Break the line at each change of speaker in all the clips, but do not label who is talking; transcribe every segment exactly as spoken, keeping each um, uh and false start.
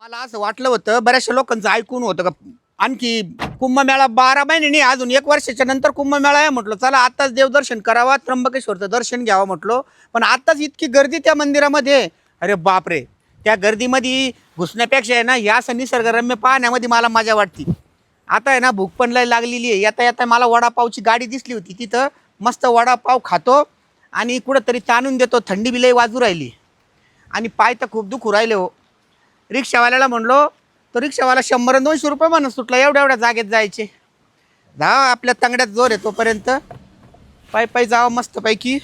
मला असं वाटलं होतं बऱ्याचशा लोकांचं ऐकून होतं का आणखी कुंभमेळा बारा महिने नाही अजून एक वर्षाच्या नंतर कुंभमेळा आहे म्हटलं चला आताच देवदर्शन करावा त्र्यंबकेश्वरचं दर्शन घ्यावं म्हटलं पण आताच इतकी गर्दी त्या मंदिरामध्ये अरे बापरे त्या गर्दीमध्ये घुसण्यापेक्षा आहे ना या असं निसर्गरम्य पाहण्यामध्ये मला मजा वाटते. आता आहे ना भूक पण लय लागलेली आहे येता येता मला वडापावची गाडी दिसली होती तिथं मस्त वडापाव खातो आणि कुठंतरी ताणून देतो थंडी बी लय वाजू राहिली आणि पाय तर खूप दुखू राहिले हो. रिक्षावाल्याला म्हणलो तो रिक्षावाला शंभर दोनशे रुपये म्हणून सुटला एवढ्या एवढ्या जागेत जायचे जा आपल्या तंगड्यात जोर आहे तोपर्यंत पाय पाय जावं मस्त पैकी.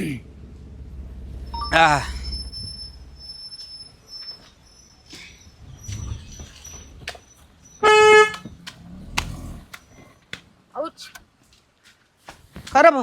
खरं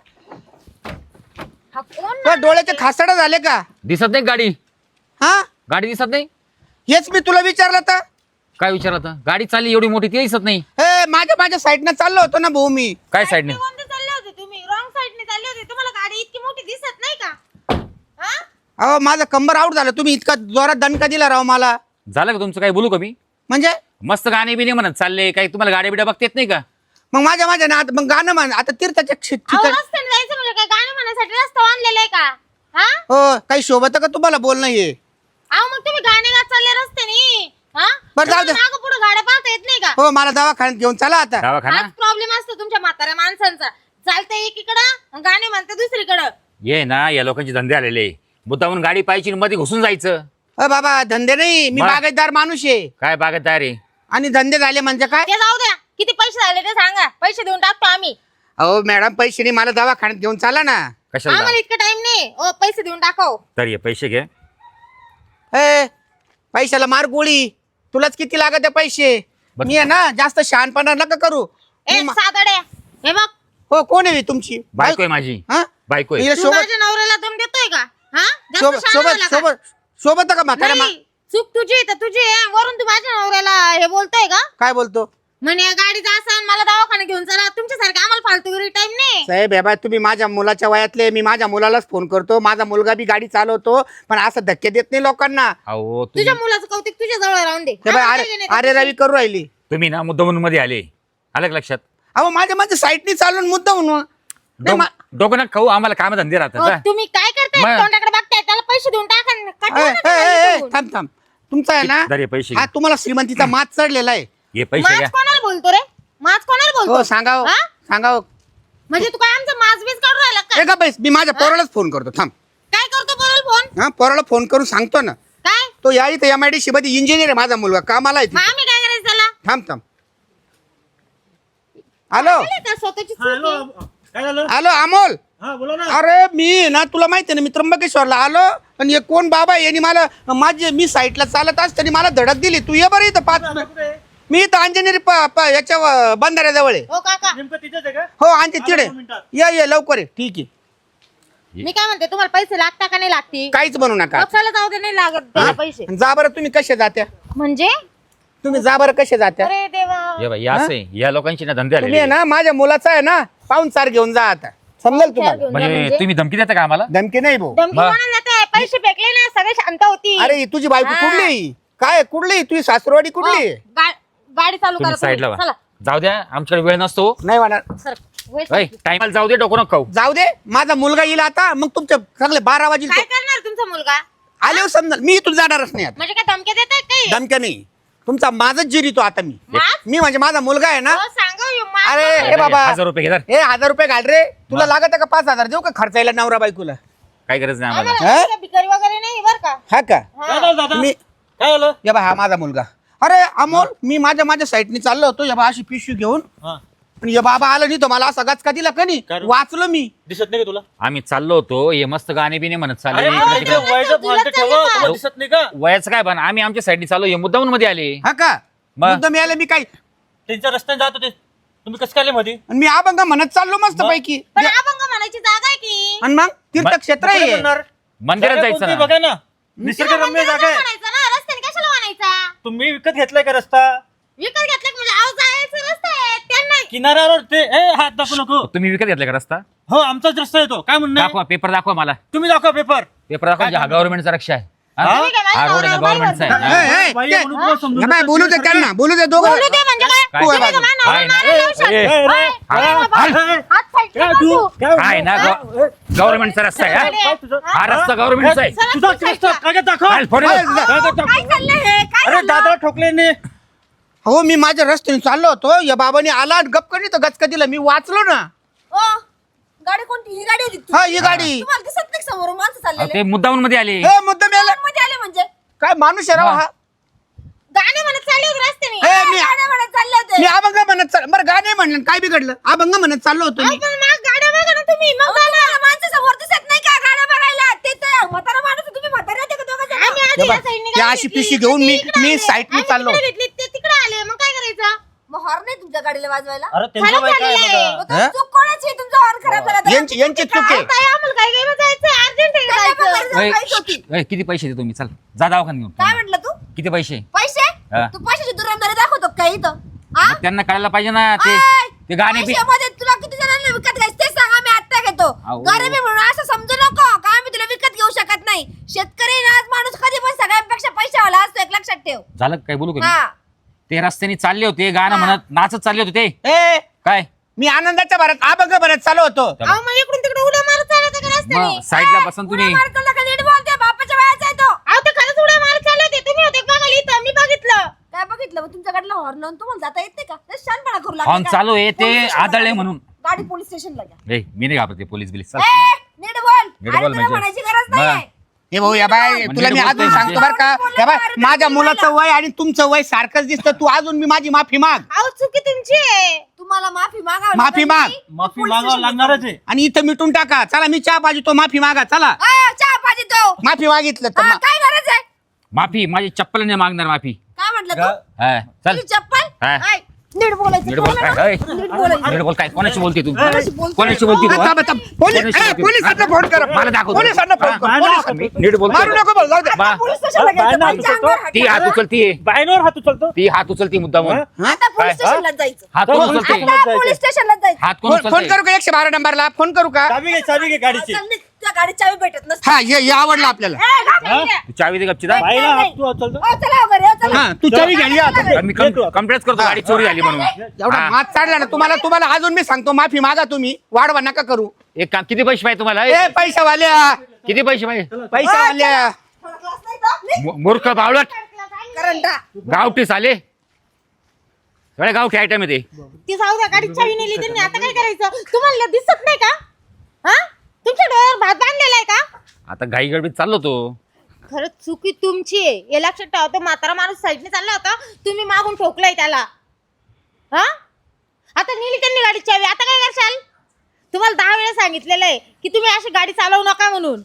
डोळ्याचे खासडं झाले का
दिसत नाही गाडी.
हा
गाडी दिसत नाही.
हेच मी तुला विचारलं तर
काय विचारलं तर गाडी चालली एवढी मोठी ती दिसत नाही.
हे माझ्या माझ्या साईडनं चाललो होतो ना भाऊ मी.
काय साईडने
चालले होते तुम्ही रॉंग साईडने चालले होते तुम्हाला गाडी इतकी मोठी दिसत नाही का? हा
अहो माझं कंबर आउट झालं तुम्ही इतका जोरात दणका दिला राव मला.
झालं का तुमचं? काय बोलू का मी?
म्हणजे
मस्त गाणे बिने म्हणत चालले काही तुम्हाला गाड्या बिड्या बघता येत नाही का?
मग माझ्या माझ्या ना आता मग गाणं म्हण आता तीर्थाच्या क्षे-
अहो,
ठिकाणी
रस्त्याने जायचं म्हणजे काय गाणं म्हणण्यासाठी रस्ता बांधलेला आहे का? हा
हो काही शोभत का तुम्हाला बोलणं ये.
अहो मग तुम्ही गाणे गात चालले रस्त्याने हा
बरं, जाऊ दे.
मागं पुढे गाड्या पाहता येत नाही का?
हो मला दवाखान्यात घेऊन चला आता.
दवाखाना
हाच प्रॉब्लेम असतो तुमच्या म्हाताऱ्या माणसांचा. चालतंय एकीकडं गाणे म्हणते दुसरीकडं.
ये ना या लोकांचे धंदे आलेले मुद्दामून गाडी पाहिजे मध्ये घुसून जायचं.
अ बाबा धंदे नाही मी
मग?
बागायतदार माणूस आहे
काय बागतदार आहे?
आणि धंदे झाले म्हणजे काय.
ते जाऊ द्या किती पैसे झाले ते सांगा पैसे देऊन टाकतो आम्ही.
अहो मॅडम पैसे नाही मला दवाखान्यात घेऊन चला ना.
कशाला
आम्हाला इतकं टाइम नाही ओ पैसे देऊन टाकाव.
तर ये पैसे घे.
ए पैशाला मार गोळी तुलाच किती लागत आहे पैसे.
बघ.
मी आहे ना जास्त शहाणपणा नका करू.
ए
मी मा-
सातड्या हे बघ
हो कोण आहे तुमची
बायको आहे माझी.
हा
बायको आहे.
हिला
तू
सोबत
माझ्या नवऱ्याला दम देतोय का? हा जास्त
सोबत
शहाणा
सोबत
झाला का?
सोबत सोबत का म्हाताऱ्या मा-
नाही, चूक तुझी तर तुझी आहे. वरून तू माझ्या नवऱ्याला हे बोलतोय का?
काय बोलतो
म्हणे गाडीचा असन मला दवाखाना घेऊन चला. तुमच्यासारखं आम्हाला फालतूगिरी टाइम नाही.
साहेब हे बाय तुम्ही माझ्या मुलाच्या वयातले मी माझ्या मुलालाच फोन करतो माझा मुलगा बी गाडी चालवतो पण असं धक्के देत नाही लोकांना.
अहो तुम्ही
तुझ्या मुलाचं कौतिक तुझ्या जवळ राहून दे.
हे बाय
आम्हाला
अरे
काही नाही
अरे
त्याच्याशी.
रवी करू राहिली.
तुम्ही ना मुद्दामून मध्ये आले. आलं का लक्षात?
अहो माझ्या माझ्या साईडनी चालून मुद्दा म्हणून नाही, मा-
डोकं ना खाऊ आम्हाला काम धंदे
हो,
राहतात.
तुम्ही काय करताय
मग-
तोंडाकडे बघताय त्याला पैसे देऊन टाका ना.
ए,
कटवा ना
ए,
त्या
ए, ए,
गाडीतून.
थांब थांब तुमचा आहे ना
दर हे पैसे
हा
घे.
तुम्हाला श्रीमंतीचा मात चढलेला आहे.
ये पैसे
माज
घ्या.
कोणाला बोलतो रे? माज कोणाला
हो
बोलतो?
सांगाव
हा?
सांगाव
म्हणजे तू काय आमचा माज बीज काढून राहिला का?
ए का बैस मी माझ्या पोरालाच फोन करतो थांब.
काय करतो बोल फोन?
हा पोराला फोन करून सांगतो ना
काय
तो या इथे एम आय डी सी मध्ये इंजिनियर आहे माझा मुलगा कामाला आहे
मग
तिथे.
आम्ही काय करायचं त्याला?
थांब थांब हॅलो
बोलले का स्वतःची चूक
हॅलो
आहे?
काय झालं?
हॅलो अमोल
हा बोला ना.
अरे मी ना तुला माहिती आहे ना मी त्र्यंबकेश्वरला आलो पण हे कोण बाबा आहे? यांनी मला माझे मी साईटला चालत असताना मला धडक दिली. तू ये बरं इथं पाच मिनिट.
कुठे आहे?
मी इथं अंजनेरी प- प- याच्या व- बंधाऱ्याजवळ आहे.
हो काका
नेमकं तिथेच आहे का?
हो आणते तिकडे
दोन मिनिटात.
ये ये लवकर ये ठीक आहे
मी काय म्हणते तुम्हाला पैसे लागता का नाही लागते?
काहीच बनू नका
पक्षाला जाऊ दे नाही लागत त्याला पैसे.
जा बरं तुम्ही कसे जात्या
म्हणजे
तुम्ही जा बरं कसे जात्या
अरे देवा
ये बाई या असं आहे. या लोकांची ना धंदे
तुम्ही आहे
आलेले.
ना माझ्या मुलाचा आहे ना पाहून चार घेऊन जा आता समजेल तुम्हाला.
घेऊन जा
म्हणजे
म्हणजे?
तुम्ही धमकी देता का आम्हाला?
धमकी नाही भाऊ.
धमकी
मग?
कोणाला देताय? पैसे फेकले ना सगळे शांत होती.
अरे ही तुझी बायको
हा.
कुठली काय कुठली तुझी सासरवाडी कुठली
हो, गा- गाडी चालू
तुम्ही
करा
साईडला
तुम्ही.
व्हा.
चला
जाऊ द्या आमच्याकडे वेळ नसतो.
नाही वाटणार
सर वय
टाइमला जाऊ दे डोकं नको खाऊ.
जाऊ दे माझा मुलगा येईल आता मग तुमच्या चांगले बारा वाजेल
काय
तो.
करणार तुमचा मुलगा?
आले समजा मी इथून जाणारच नाही आता
म्हणजे काय धमक्या देताय काही?
धमक्या नाही तुमचा माझच जिरीतो आता मी
माज?
मी म्हणजे माझा मुलगा आहे ना.
हो, सांगा हो, माज
अरे,
कोणाला?
ए बाबा.
हजार रुपये घेणार.
हे हजार रुपये घाल रे तुला
मग?
लागत का पाच हजार देऊ का खर्चायला नवरा बायकोला
काय गरज नाही आम्हाला.
आम्हाला
हा?
असं भिकारी वगैरे नाही बरं का?
हा का
काय झालं दादा?
मी
काय झालं?
या बा हा माझा मुलगा. अरे अमोल मी माझ्या माझ्या साईडनी चाललो होतो या बा अशी पिशवी घेऊन
हा.
पण या बाबा आला नाही तो मला असा गचका दिला का नाही
काय रे?
वाचलो मी.
दिसत नाही का तुला?
आम्ही चाललो होतो हे मस्त गाणे बिने म्हणत चालले
अरे
इकडे
इकडे
तिकडे.
वयाचं
तुला
भान तर ठेवा.
चालेल
तुम्हाला
का?
दिसत नाही का?
वयाचं काय पण आम्ही आमच्या साईडनी चाललो हे मुद्दामून मध्ये आले.
हा का
मग?
मुद्दाम यायला मी काय
त्यांच्या रस्त्याने जात होते तुम्ही कसं काय आले मध्ये?
आणि मी अभंग म्हणत चाललो मस्त
मग?
पैकी
पण अभंग म्हणायची जागा आहे की?
आणि मग तीर्थक्षेत्र
कुठे
आहे.
म्हणणार?
मंदिरात
जागा
जायचं
कोणती
ना.
बघा ना
तिला
निसर्गरम्य
मंदिरात
जागा आहे.
म्हणायचं ना रस्त्याने कशाला म्हणायचा?
तुम्ही विकत घेतलाय का रस्ता?
विकत घेतलं की म्हणजे आव जायचं रस्ता आहे त्यांना.
किनाऱ्यावर ते ए हात दाखवू नको.
तुम्ही विकत घेतला का रस्ता?
हो आमचाच रस्ता येतो. काय म्हणणं आहे?
दाखवा पेपर दाखवा मला.
तुम्ही दाखवा पेपर.
पेपर दाखवा हा गव्हर्नमेंटचा रक्षा आहे. हा?
तुम्ही काय माझ्या
हा रोड आहे
नवऱ्याला
गव्हर्नमेंटचा
बाहेर
आहे हा.
ए, ए,
बाई
ते-
म्हणून तुला समजून
हे बाय,
घेतो.
बोलू दे त्यांना बोलू दे दोघं
बोलू दे म्हणजे काय
काय?
तुम्ही का माझ्या
काय
नवऱ्याला
ना?
मारायला लावशाल?
ए, ए,
ओय,
ए,
ओय, बाबा,
ए, ए,
हात साईडने
काय
कर
तू?
तू.
काय
काय ना
बोलतो?
गव्हर्नमेंटचा रस्ता आहे हा?
काय तुझं?
हा रस्ता गव्हर्नमेंटचा आहे
चला,
तुझा
चला,
रस्ता
चला.
कागद दाखव.
चाल, फोड
काय?
दे.
कागद दाखव.
काय चाललंय हे? काय
अरे
झालं?
दादा ठोकले ने.
हो मी माझ्या रस्त्याने चाललो होतो या बाबाने आला आणि गप करी तर गचका दिला मी वाचलो ना.
ओ, गाडी कोणती? ही गाडी होती का?
हा ही गाडी
तुम्हाला दिसत नाही का समोरून माणसं
अहो,
चाललेले
ते मुद्दामून मध्ये आले
हे मुद्दाम यायला
मध्ये आले म्हणजे
काय माणूस आहे राव हा.
गाणे म्हणत चालले होते रस्त्याने
हे मी
गाड्या म्हणत चालले होते.
मी अभंग म्हणत चाल बरं गाणे म्हणलं काय बिघडलं अभंग म्हणत चाललो होतो मी.
अहो, पण मग गाड्या बघा ना तुम्ही मग
अहो, तुम्हाला माणसं समोर दिसत नाही का गाड्या बघायला? ते तर म्हातारा माणूस आहे, तुम्ही म्हातारे होते का दोघं जण?
आम्ही आधी
हे
या
बघ,
साईडने
ती
गाडी
अशी
घेतली,
पिशवी घेऊन
ते
मी-
इकडे
मी
आले.
साईडने
आम्ही
चाललो.
तिकडे घेतली, ते तिकडे आले मग काय करायचं
मग हॉर्न नाही तुमच्या गाडीला वाजवायला?
अरे त्यांच्या
खराब
बाई काय
झालेलं आहे.
बघा.
मग तो
हा?
चूक कोणाची आहे? तुमचा हॉर्न खराब झाला तर?
यांची यांची चूक आहे.
ताई, आम्हाला काय काय जायचं अर्जंट आहे
त्याच्या पण
जायचं.
घरी
ओय,
जाऊन काहीच होती.
ओय, किती पैसे दे तुम्ही चल जा दवाखान्यात घेऊन
काय म्हटलं तू?
किती पैसे
पैसे?
हा.
तू पैशाची दुरांदारी दाखवतो का इथं? हा?
मग त्यांना कळायला पाहिजे ना ते
आय,
ते गाणे बी
पैशामध्ये तुला किती जणांना विकत घ्यायचं ते सांग, आम्ही आत्ता घेतो.
अहो.
गरिबी म्हणून असं समजू नको का आम्ही तुला विकत घेऊ शकत नाही. शेतकरी ना आज माणूस कधी पण सगळ्यांपेक्षा पैशावाला असतो, एक लक्षात ठेव.
झालं काय बोलू का मी?
हा.
ते रस्त्याने चालले होते गाणं म्हणत नाचत चालले होते ते
ए
काय
मी आनंदाच्या भरात अभंग भरत चाललो होतो.
अहो, मग इकडून तिकडे उड्या मारत चालत का रस्त्याने
मग साईडला
ए,
बसन
उड्या
तुम्ही
मारतो नका, नीट बोलते, बापाच्या वयाचा आहे तो.
अहो ते खरंच उड्या मारत चालले होते तुम्ही होते बघायला इथं मी बघितलं
काय बघितलं मग तुमच्या गाडीला हॉर्न लावून तुम्हाला जाता येत नाही का? लय शहाणपणा करू लागले
हॉर्न
काय?
चालू आहे, ते
पोलीस स्टेशनला
आदळले
घ्या.
म्हणून.
गाडी पोलीस स्टेशनला घ्या.
ए मी नाही घाबरते पोलीस बिलीस चल
ए, नीट बोल.
नीट
आणि
बोल
तुला
म्हणजे.
म्हणायची गरज
मग.
नाही.
हे भाऊ या बाय
म्हणजे
तुला मी
बोलतोय
अजून
म्हणजे.
सांगतो बरं का या बाय माझ्या मुलाचं वय आणि तुमचं वय सारखंच दिसतं तू अजून मी माझी माफी माग
अहो चुकी तुमची आहे
तुम्हाला माफी मागावी
माफी
लागेल.
माग.
माफी
पोलीस
मागावं
स्टेशनला
लागणारच आहे.
आणि इथं मिटून टाका चला मी चहा पाहिजे तो माफी मागा चला
जाऊ. ए, चहा पाहिजे तो.
माफी मागितलं तर
हा,
मा-
काय गरज आहे?
माफी माझी चप्पल नाही मागणार माफी
काय म्हटलं
गा-
तू?
हा, चल
तुझी चप्पल?
हा.
ऐ, नीट बोलायचं.
नीट बोल
कळलं ना?
काय ओय,
नीट बोलायचं.
नीट बोल काय कोणाशी बोलते तू
कोणाशी बोलतोय?
कोणाशी बोलते तू
आता-
हा?
आता- पोलीस
कोणाशी
ए,
बोलते?
पोलिसांना फोन कर
मला दाखव
पोलिसांना फोन कर
हा,
पोलिसांना-
मी नीट बोल
मारू नको बोल जाऊ दे.
बा-
पोलीस स्टेशनला
बाय
घ्यायचं.
ना,
बाईच्या
तू
अंगावर हात
ती हात
ठेवायचा.
उचलती
बायनवर हात उचलतो.
ती हात उचलती मुद्दाम
हा?
आता पोलीस
काय?
स्टेशनला जायचं.
हात कोण
पोलीस
उचलते
स्टेशनला
आता
जायचं.
पोलीस स्टेशनला जायचं.
हात कोण
फोन फोन
उचलते
करू का एकशे बारा नंबरला फोन करू का
चावी घे चावी घे गाडीची.
चल, नीट. तुझ्या गाडीत चावी भेटत नसते.
हा हे हे आवडलं आपल्याला
ए, घाब
हा?
इकडे.
तू चावी दे गपची दा
बाईला
नाही,
हात तू उचलतो.
ओ, चला घरी, ओ, चला.
हा तू चावी घ्या या आता.
मी कंप्लेंट करतो गाडी चोरी झाली म्हणून
एवढा
हा.
मात चाडला ना तुम्हाला तुम्हाला अजून मी सांगतो माफी मागा तुम्ही वाढवा नका करू
एक काम किती पैसे पाहिजे तुम्हाला
ए पैशावाल्या
किती पैसे पाहिजे
पैशावाल्या
थोडा क्लास नाही का? नीट.
मू- मूर्ख बावळट
करंटा.
गावठी आले सगळे गावठी आयटम आहे ते
ती जाऊ द्या गाडी चावी नेली त्यांनी आता काय करायचं तुम्हाला दिसत नाही का हा तुमच्या डोळ्यावर भात बांधलेला आहे का
आता घाई गडबडीत चाललो तो
खरंच चुकी तुमची आहे हे लक्षात ठेवा तो म्हातारा माणूस साईडने चालला होता तुम्ही मागून ठोकलाय त्याला हा आता नेली त्यांनी गाडी चावी आता काय करशाल तुम्हाला दहा वेळा सांगितलेलं आहे की तुम्ही अशी गाडी चालवू नका म्हणून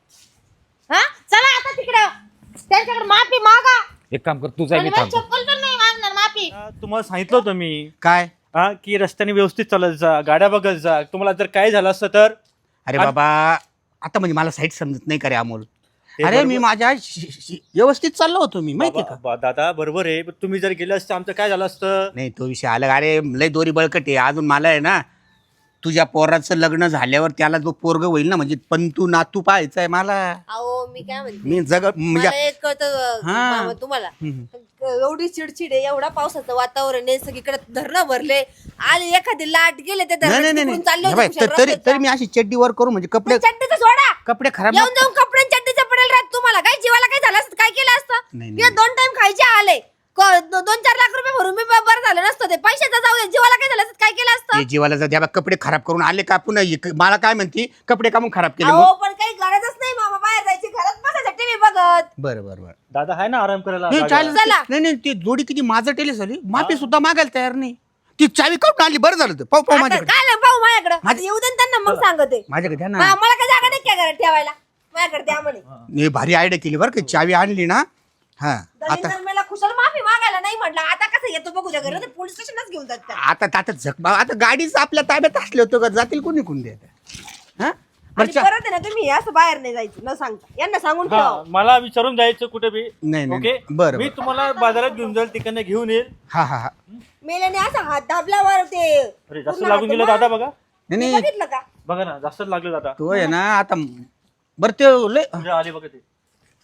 हा चला आता तिकडं त्यांच्याकडे माफी मागा
एक काम कर तू जाय
आणि
मी
मला
थांबतो
चप्पल पण नाही मागणार माफी
हा, तुम्हाला सांगितलं होतं मी
काय
हा की रस्त्याने व्यवस्थित चालत जा गाड्या बघत जा तुम्हाला जर काय झालं असतं तर
अरे
आणि-
बाबा आता म्हणजे मला साईट समजत नाही का रे अमोल
ते
अरे
बरोबर.
मी माझ्या शि- शि- व्यवस्थित चाललो होतो मी माहिती
बाबा-
का
बा- दादा बरोबर आहे पण तुम्ही जर गेले असते आमचं काय झालं असतं
नाही तो विषय आला अरे लय दोरी बळकट आहे अजून मला आहे ना तुझ्या पोराचं लग्न झाल्यावर त्याला जो पोरग होईल ना म्हणजे पंतू नातू पाहायचा आहे मला
अहो मी काय म्हणते
मी जग म्हणजे
मला एक कळतं
हा.
मामा, तुम्हाला
हम्म.
एवढी चिडचिड आहे एवढा पावसाचं वातावरण आहे सगळीकडे धरणं भरले आले एखादी लाट गेले ते
नाही नाही
धरण
नाही
चालले
हे बाय,
होते
तर- तरी तरी मी अशी चड्डी वर करू म्हणजे कपडे
चड्डीचं सोडा
कपडे खराब
येऊन जाऊन कपडे चड्डीचं पडेल राहत तुम्हाला काय जीवाला काय झालं असतं काय केलं असतं
नाही,
मी
नाही.
दोन टाइम खायचे आले क- दो- दोन चार लाख रुपये भरून मी ब- बरं झालं नसतं ते पैशाचं जाऊ दे जीवाला काय झालं असतं काय केलं असतं
ते जीवाला जाऊ द्या बा, कपडे खराब करून आले का पुन्हा ये- मला काय म्हणती कपडे कामून खराब केले
अहो
मग
पण काही गरजच नाही मामा बाहेर जायची घरात बसायचं टीव्ही बघत
बरं बरं बरं
दादा आहे ना आराम करायला
नाही,
जागेवर.
चालेल.
चला.
नाही नाही ती जोडी किती माझं टेली झाली माफी सुद्धा मागायला तयार नाही ती चावी काढून आली बरं झालं ते. पाहू पाहू
आता
माझ्याकडे
काय नाही पाहू माझ्याकडे
माझ्या-
आता येऊ दे ना त्यांना मग सांगते
माझ्याकडे द्या ना
हा, मला काय जागा नाही काय घरात ठेवायला माझ्याकडे द्या म्हणे
मी भारी आयडिया केली बरं का चावी आणली ना हा आता
दलिंदर मला खुशाल माफी मागायला नाही म्हटलं आता कसं येतो बघू द्या घरी पोलीस स्टेशनच घेऊन जात त्या.
आता आता झक आता गाडीच आपल्या ताब्यात असले होतो का जातील कोणी कोण द्या हा बरं
आणि
चा-
परत आहे ना तुम्ही असं बाहेर नाही जायचं न सांगता यांना सांगून
हा
ठेवा
मला विचारून जायचं कुठे बी
नाही, नाही,
ओके
नाही. बरं,
मी
बरं.
तुम्हाला बाजारात घेऊन जाईल तिकडनं घेऊन येईल
हा हा हा
मेल्याने असं हात दाबल्यावर ते
अरे जास्त
पूर्ण
लागून
हात-
गेलं दादा बघा
नाही
मी
नाही
बघितलं का
बघा ना जास्तच लागलं दादा
तो आहे ना आता बरं ते लय
म्हणजे आले बघा ते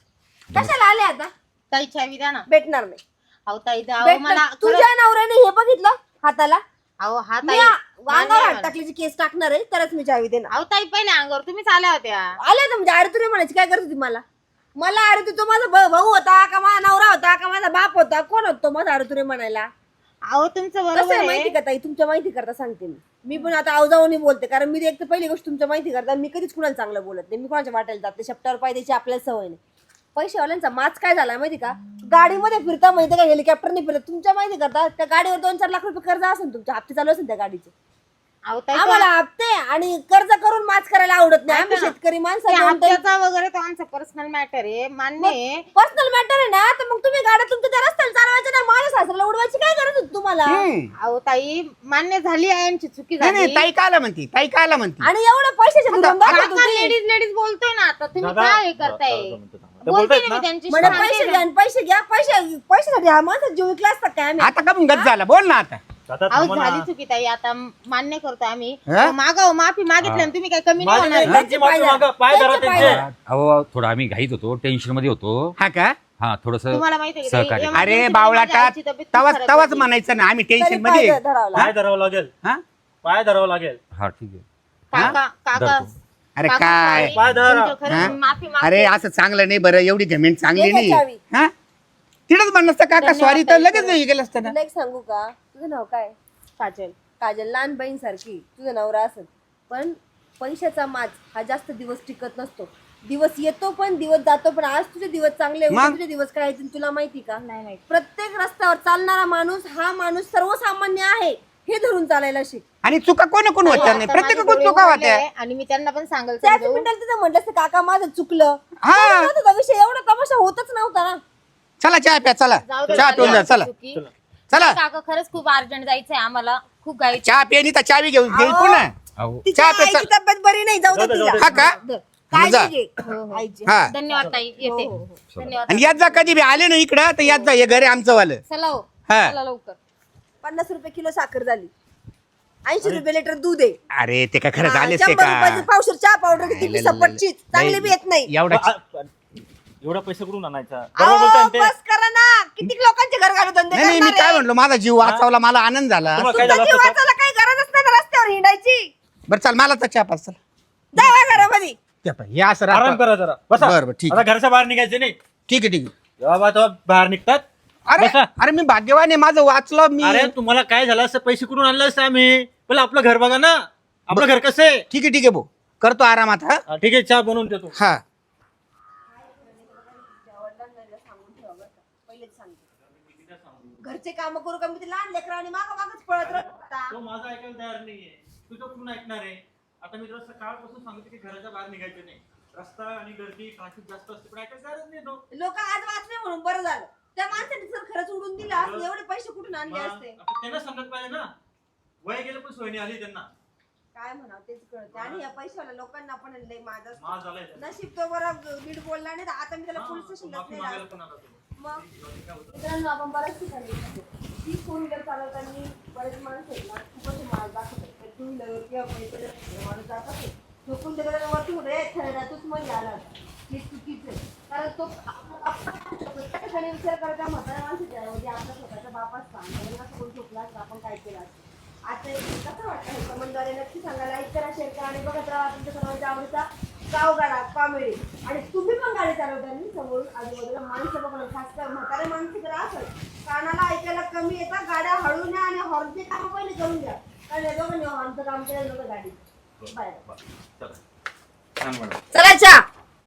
कशाला आले आता?
ताई चावी द्या ना.
भेटणार नाही.
अहो ताई द्या. अहो
भेटणार-
मला खरंच-
तुझ्या नवऱ्याने हे बघितलं हाताला?
अहो हा
मी
ताई
अंगावर हात टाकल्याची केस टाकणार आहे तरच मी चावी देणार.
अहो ताई पहिले अंगावर तुम्हीच आल्या होत्या.
आले तर म्हणजे अरे तुरे म्हणायची काय करत होती मला? मला अरे तू तो माझा भ- भाऊ होता का माझा नवरा होता का माझा बाप होता? कोण होतो माझा अरे तुरे म्हणायला?
अहो तुमचं
कसं
बरोबर
आहे
आहे.
माहिती का ताई? तुमच्या माहिती करता सांगते मी. मी पण आता अवजावणी बोलते कारण मी एक तर पहिली गोष्ट तुमच्या माहिती करता मी कधीच कुणाला चांगलं बोलत नाही. मी कोणाच्या वाटायला जाते शब्दावर पाय द्यायची आपल्याला सवय नाही. पैशावाल्यांचा माच काय झाला माहिती का? गाडीमध्ये फिरता माहिती का? हेलिकॉप्टरने फिरता. तुमच्या माहिती करता त्या गाडीवर दोन चार लाख रुपये कर्ज असेल तुमच्या हप्ते चालू असेल त्या गाडीचे.
अहो ताई
आम्हाला हप्ते आणि कर्ज करून माच करायला आवडत नाही. आम्ही शेतकरी माणसं
ते हप्त्याचा वगैरे तो आमचा पर्सनल मॅटर आहे मान्य आहे.
पर्सनल मॅटर आहे ना तर मग तुम्ही गाड्या तुमच्या त्या रस्त्याला चालवायच्या ना माझ्या सासऱ्याला उडवायची काय गरज होती तुम्हाला?
हम्म.
अहो ताई मान्य झाली आहे यांची चुकी
नाही
झाली.
नाही ताई कायला म्हणती ताई कायला म्हणती
आणि एवढं पैशाचे धुरंदार होत होती.
लेडीज लेडीज बोलतोय ना आता तुम्ही
दादा,
काय हे करताय?
दादा, दादा, दादा. ते
बोलते
बोलतायत
ना
ना?
मी त्यांची
म्हणजे पैसे घ्या आणि पैसे घ्या पैसे पैशासाठी हा माणसा जीव विकला असता काय आम्ही?
आता का मग गत झाला बोल ना आता.
दादा,
अहो
थांबा ना.
झाली चुकी ताई आता मान्य करतो आम्ही.
हा?
मागाव माफी मागितली आणि तुम्ही काय कमी नाही
माझे
होणार.
नाही, त्यांची माफी मागा, पाय धरा
त्यांचे पाय
त्यांचे.
धरा.
अहो थोडं आम्ही घाईत होतो टेन्शन मध्ये होतो.
हा का?
हा थोडस
तुम्हाला माहिती आहे का ताई,
सहकार्य.
एम-
अरे
emergency
बावळाटा
मध्ये आईची तब्येत खूप
तवाच
खराब
तवाच
होती.
म्हणायचं ना आम्ही
तरी
टेन्शन
पाय
मध्ये
धरावं
पाय धरावं लागेल.
हा?
पाय धरावं लागेल.
हा ठीक आहे.
काका काका
धरतो.
अरे
काका,
काय
sorry.
पाय धरा.
तुमच्या खरंच
हा?
माफी मागते.
अरे असं चांगलं नाही बरं एवढी घमेंट चांगली
दे
नाही
गं चावी.
हा तिथंच म्हणलं असतं काका
धन्यवाद
सॉरी तर
ताई,
लगेच
खरंच.
हे केलं असतं ना.
तुला एक सांगू का? तुझं नाव काय?
काजल.
काजल. लहान बहीण सारखी तुझं नवरा असत पण पैशाचा माज हा जास्त दिवस टिकत नसतो. दिवस येतो पण दिवस जातो पण आज तुझे दिवस चांगले उद्या
मग?
तुझे दिवस काय येतील तुला माहिती का?
नाही माहिती.
प्रत्येक रस्त्यावर चालणारा माणूस हा माणूस सर्वसामान्य आहे हे धरून चालायला शिक.
आणि चुका कोण कोण होत्या नाही
आता
प्रत्येक
माझे
कोण
डोळे
चुका
उघडले
होत्या.
आणि मी त्यांना पण सांगायला
त्याच
समजावून.
मिनिटाला तिथं म्हटलं असतं काका माझं चुकलं
हा.
तसं नव्हतं का विषय? एवढा तमाशा होतच नव्हता ना.
चला चहा प्या चला
जाऊ दे,
चहा पिऊन जा चला
चुकी.
चला
काका खरंच खूप अर्जंट जायचंय आम्हाला खूप घाई.
चहा पियानी तर चावी घेऊन घेईल
अहो.
पुन्हा
अहो
तिच्या
चहा प्या,
आईची तब्येत बरी नाही जाऊ दे
जाऊ दे,
तिला.
जाऊ दे.
हा का?
दे.
मग जा.
काळजी घे आईची.
हा
धन्यवाद ताई येते.
हो, हो,
धन्यवाद.
आणि यात जा कधी बी आले ना इकडं तर यात जा हे घर आहे आमचं वालं
चला हो.
हा.
चला लवकर.
पन्नास रुपये किलो साखर झाली. ऐंशी रुपये लिटर दूध आहे.
अरे ते काय खरंच
हा,
आलेच ते
शंभर
का
रुपयाची पावशेर चहा पावडर किती
नाही,
सपटची चांगली बी येत नाही.
एवढा
आ- आ- एवढा पैसे कुठून आणायचा?
अहो,
बरोबर बोलताय ना ते.
बस करा ना. किती लोकांचे घर घालू धंदे
नाही नाही मी
करणार
काय
आहे?
म्हणलो माझा जीव वाचवला मला आनंद झाला
तुम्हाला काय
तुमचा
झालं
जीव
असतं?
वाचायला काही गरजच नाही ना रस्त्यावर हिंडायची.
बरं चाल मला तर चहा पाच चल
जावा घरामध्ये.
ते पाह्य, हे असं
आराम
राहतं.
करा जरा बसा.
बरं, बरं, ठीक
आता घरच्या बाहेर निघायचे नाही.
ठीक आहे ठीक आहे
जेव्हा तेव्हा बाहेर निघतात.
अरे
बसा.
अरे मी भाग्यवान आहे माझं वाचलं मी
अरे तुम्हाला काय झालं असं? पैसे कुठून आणले असते आम्ही? पहिलं आपलं घर बघा ना. आपलं घर कसं आहे?
ठीक आहे ठीक आहे भाऊ करतो आरामात हा
हा, ठीक आहे चहा बनवून देतो.
हा
घरचे काम करू का मी ते लहान लेकरं आणि माग मागच पळत राहता.
तो माझा ऐकायला तयार नाहीये. तुझं कुठून ऐकणार आहे? आता मी तुला सकाळपासून सांगतो की घराच्या बाहेर निघायचं नाही. रस्ता आणि गर्दी ट्रॅफिक जास्त असते पण ऐकायला तयारच नाही तो.
लोक आज वाचले म्हणून बरं झालं. त्या माणसाने जर खरंच उडून दिला असतं, एवढे पैसे कुठून आणले
मग
असते?
आता त्यांना समजत पाहिजे ना. वय गेलं पण सोयी नाही आली त्यांना.
काय म्हणा तेच कळत. आणि या पैशावाल्या लोकांना पण लय माझ
माज झालाय त्यांना.
नशीब तो बरं नीट बोलला नाही तर आता मी त्याला
हा,
पोलीस
तो
स्टेशनला
माफी
नाही
मागायला
लावत.
पण आला तो.
मग मित्रांनो आपण बऱ्याच ठिकाणी येतो. ही फोर व्हीलर चालवताना बरेच माणसं आहेत ना खूपच माल दाखवतात. टू व्हीलर किंवा पैसे माणूस जातात झोपून त्याला वरती होते खेळण्यातच मध्ये आला हे चुकीचं आहे. कारण तो प्रत्येक ठिकाणी विचार करता म्हाताऱ्या माणसाच्या ऐवजी आपल्या स्वतःच्या बापाच सांग असं कोण झोपला असतं आपण काय केलं असतं. आता कसं वाटतं हे कमेंटद्वारे नक्की सांगा. लाईक करा शेअर करा आणि बघत राहा तुमच्या सर्वांच्या आवडीचा गावगाडा कॉमेडी. आणि तुम्ही पण गाडी चालवताना समोरून आजूबाजूला माणसं बघणं खास कर म्हातारे माणसं जर असेल कानाला ऐकायला कमी येतात गाड्या हळू न्या आणि हॉर्नचे काम पहिले करून द्या. कारण या दोघांनी हॉर्नचं काम केलं नव्हतं गाडी. बाय
चला. छान मॅडम.
चला चहा.